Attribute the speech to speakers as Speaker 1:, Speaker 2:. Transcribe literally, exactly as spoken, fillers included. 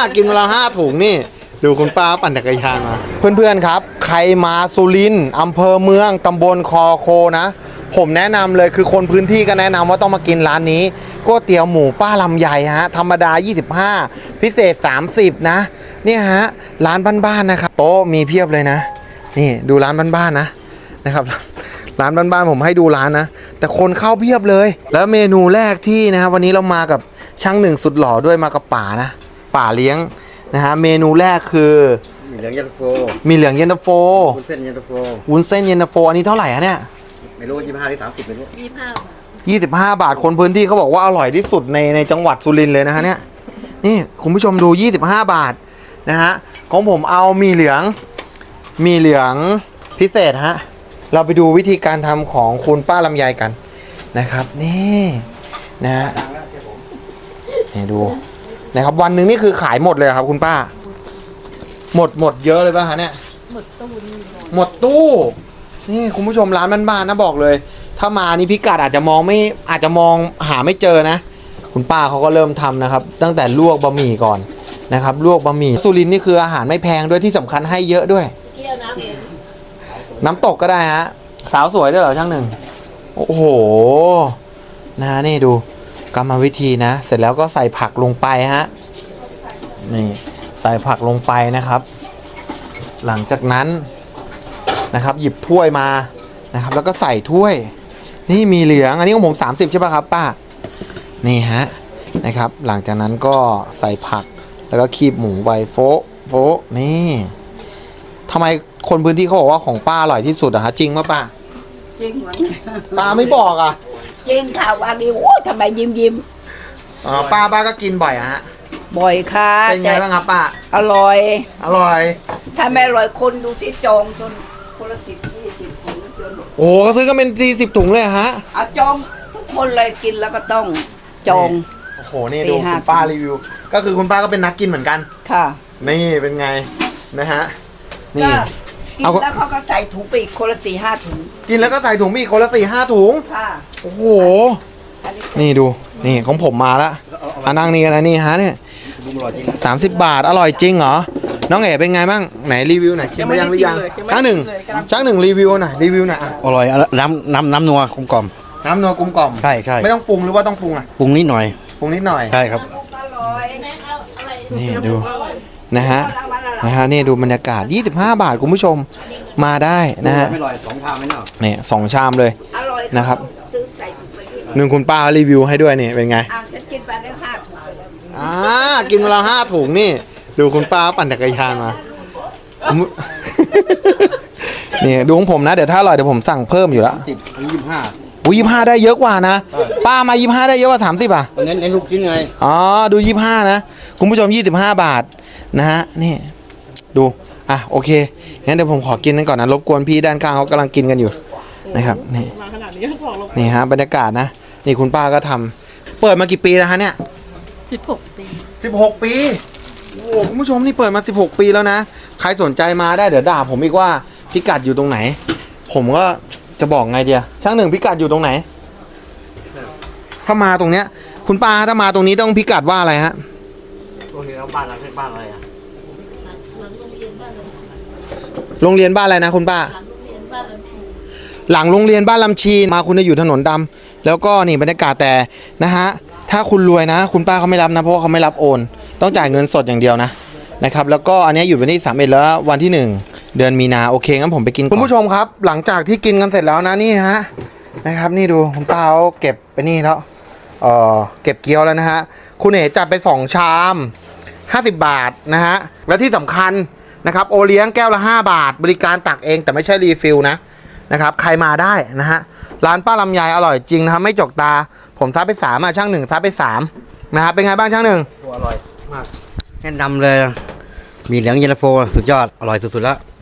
Speaker 1: กินเวลาห้าถุงนี่ดูคุณป้าปั่นจักรยานมาเพื่อนๆครับใครมาสุรินทร์อำเภอเมืองตำบลคอโคนะผมแนะนำเลยคือคนพื้นที่ก็แนะนำว่าต้องมากินร้านนี้ก๋วยเตี๋ยวหมูป้าลำไยฮะธรรมดายี่สิบห้าพิเศษสามสิบนะเนี่ยฮะร้านบ้านๆนะครับโต๊ะมีเพียบเลยนะนี่ดูร้านบ้านๆนะนะครับร้านบ้านๆผมให้ดูร้านนะแต่คนเข้าเพียบเลยแล้วเมนูแรกที่นะครับวันนี้เรามากับช่างหนึ่งสุดหล่อด้วยมากับป่านะป่าเลี้ยงนะฮะเมนูแรกคือ
Speaker 2: มีเหลืองเย็นตาโฟ
Speaker 1: มีเหลืองเย็นตาโฟ
Speaker 2: วุ้นเส้นเย็นตาโฟ
Speaker 1: วุ้นเส้นเย็นตาโฟอันนี้เท่าไหร่ฮะเนี่ย
Speaker 2: ไม่รู้ยี่สิบห้าหรือสามสิบไม่รู้
Speaker 3: ยี่สิบห้า
Speaker 1: ยี่สิบห้าบาทคนพื้นที่เขาบอกว่าอร่อยที่สุดในในจังหวัดสุรินทร์เลยนะฮะเนี่ยนี่คุณผู้ชมดูยี่สิบห้าบาทนะฮะของผมเอามีเหลืองมีเหลืองพิเศษฮะเราไปดูวิธีการทำของคุณป้าลำไยกันนะครับนี่นะฮะนี่ดูนะครับวันหนึ่งนี่คือขายหมดเลยครับคุณป้าหมดหมดเยอะเลยป่ะฮะเนี่ย
Speaker 3: หมดตู้
Speaker 1: หมดตู้นี่คุณผู้ชมร้านบ้านๆนะบอกเลยถ้ามานี่พิกัดอาจจะมองไม่อาจจะมองหาไม่เจอนะคุณป้าเขาก็เริ่มทำนะครับตั้งแต่ลวกบะหมี่ก่อนนะครับลวกบะหมี่สุรินทร์นี่คืออาหารไม่แพงด้วยที่สำคัญให้เยอะด้วย
Speaker 3: เกี่ยวน้ำเอง
Speaker 1: น้ำตกก็ได้ฮะสาวสวยด้วยเหรอช่างหนึ่งโอ้โหนะนี่ดูกรรมวิธีนะเสร็จแล้วก็ใส่ผักลงไปฮะนี่ใส่ผักลงไปนะครับหลังจากนั้นนะครับหยิบถ้วยมานะครับแล้วก็ใส่ถ้วยนี่มีเหลืองอันนี้ของผมสามสิบใช่ป่ะครับป้านี่ฮะนะครับหลังจากนั้นก็ใส่ผักแล้วก็คีบหมูไวโฟโฟนี่ทำไมคนพื้นที่เขาบอกว่าของป้าอร่อยที่สุดอะฮะจริงป่ะป้า
Speaker 3: จริงมั้ง
Speaker 1: ป้าไม่บอกอะ
Speaker 3: จริงค่ะวันนี้โอ้ทำไมยิ้มยิ้ม
Speaker 1: อ๋อป้าป้าก็กินบ่อยอะฮะ
Speaker 3: บ่อยค่ะ
Speaker 1: เป็นไงบ้างครับป้า
Speaker 3: อร่อย
Speaker 1: อร่อย
Speaker 3: ถ้าไม่อร่อยคนดูสิจองจนคนละสิบยี่สิบถุงจน
Speaker 1: โอ้ก็ซื้อกันเป็นสี่สิบถุงเลยฮะ
Speaker 3: เอาจองทุกคนเลยกินแล้วก็ต้องจอง
Speaker 1: โอ้โหนี่ดูคุณป้ารีวิวก็คือคุณป้าก็เป็นนักกินเหมือนกัน
Speaker 3: ค่ะ
Speaker 1: นี่เป็นไงนะฮะ
Speaker 3: นี่กินแล้วเขาก็ใส่ถุงไปอีกคนละสี่ห้าถุง
Speaker 1: กินแล้วก็ใส่ถุงไปอีกคนละสี่ห้าถุง
Speaker 3: ค่ะ
Speaker 1: โอ้โหนี่ดูนี่ของผมมาแล้วอ่ะนั่งนี่กันนะนี่ฮะเนี่ยสามสิบบาทอร่อยจริงเหรอน้องเอ๋เป็นไงบ้างไหนรีวิวหน่อยชิมไปยังหรือยังช่างหนึ่งช่างหนึ่งรีวิวหน่อยรีวิวหน่อย
Speaker 2: อร่อยน้ำน้ำน้ำนัวกลมกล่อม
Speaker 1: น้ำนัวกลมกล่อม
Speaker 2: ใช่ใช่
Speaker 1: ไม่ต้องปรุงหรือว่าต้องปรุงอ่ะ
Speaker 2: ปรุงนิดหน่อย
Speaker 1: ปรุงนิดหน่อย
Speaker 2: ใช่ครับ
Speaker 1: นี่ดูนะฮะนะฮะนี่ดูบรรยากาศยี่สิบห้าบาทคุณผู้ชมมาได้นะฮะ
Speaker 2: ไม่อร่อยสองชามไม่เนาะ
Speaker 1: นี่สองชามเลยนะครับหนึ่งคุณป้ารีวิวให้ด้วยนี่เป็นไง
Speaker 3: อ่าฉันกินไปแล้วห้าถุง
Speaker 1: อ่ากินเวลาห้าถุงนี่ดูคุณป้าปั่นจักรยานมานี่ดูของผมนะเดี๋ยวถ้าอร่อยเดี๋ยวผมสั่งเพิ่มอยู่แล้ว
Speaker 2: สิบยี่สิบห้า
Speaker 1: อุ้ยยี่สิบห้าได้เยอะกว่านะป้ามายี่สิบห้าได้เยอะกว่าสามสิบอ่ะ
Speaker 2: เน้นเน้นลูกชิ้นไง
Speaker 1: อ๋อดูยี่สิบห้านะคุณผู้ชมยี่สิบห้าบาทนะฮะนี่ดูอ่ะโอเคงั้นเดี๋ยวผมขอกินกันก่อนนะรบกวนพี่ด้านข้างเขากำลังกินกันอยู่นะครับนี่นี่ฮะบรรยากาศนะนี่คุณป้าก็ทำเปิดมากี่ปีแล้วฮะเนี่ย
Speaker 3: สิบหกปี
Speaker 1: สิบหกปีโอ้คุณผู้ชมนี่เปิดมาสิบหกปีแล้วนะใครสนใจมาได้เดี๋ยวด่าผมอีกว่าพิกัดอยู่ตรงไหนผมก็จะบอกไงเดียช่างหนึ่งพิกัดอยู่ตรงไหนถ้ามาตรงเนี้ยคุณป้าถ้ามาตรงนี้ต้องพิกัดว่าอะไรฮะ
Speaker 2: ตรงนี้แล้วบ้านเราเป็นบ้านอะไรอ่ะ
Speaker 1: โรงเรียนบ้านอะไรนะคุณป้าหลังโรงเรียนบ้านลำชีมาคุณจะอยู่ถนนดำแล้วก็นี่บรรยากาศแต่นะฮะถ้าคุณรวยนะคุณป้าเขาไม่รับนะเพราะเขาไม่รับโอนต้องจ่ายเงินสดอย่างเดียวนะนะครับแล้วก็อันนี้อยู่วันที่สามเอ็ดแล้ววันที่หนึ่งเดือนมีนาโอเคงั้นผมไปกินคุณผู้ชมครับหลังจากที่กินกันเสร็จแล้วนะนี่ฮะนะครับนี่ดูคุณป้าเขาเก็บไปนี่แล้วเออเก็บเกี๊ยวแล้วนะฮะคุณเอ๋จัดไปสองชามห้าสิบบาทนะฮะและที่สำคัญนะครับโอเลี้ยงแก้วละห้าบาทบริการตักเองแต่ไม่ใช่รีฟิลนะนะครับใครมาได้นะฮะร้านป้าลำไยอร่อยจริงนะครับไม่จกตาผมทับไปสามอ่ะช่างหนึ่งทับไปสามนะครับเป็นไงบ้างช่างหนึ่ง
Speaker 2: อร่อยมากแนะนำเลยมีเหลืองเย็นตาโฟสุดยอดอร่อยสุดๆแล้ว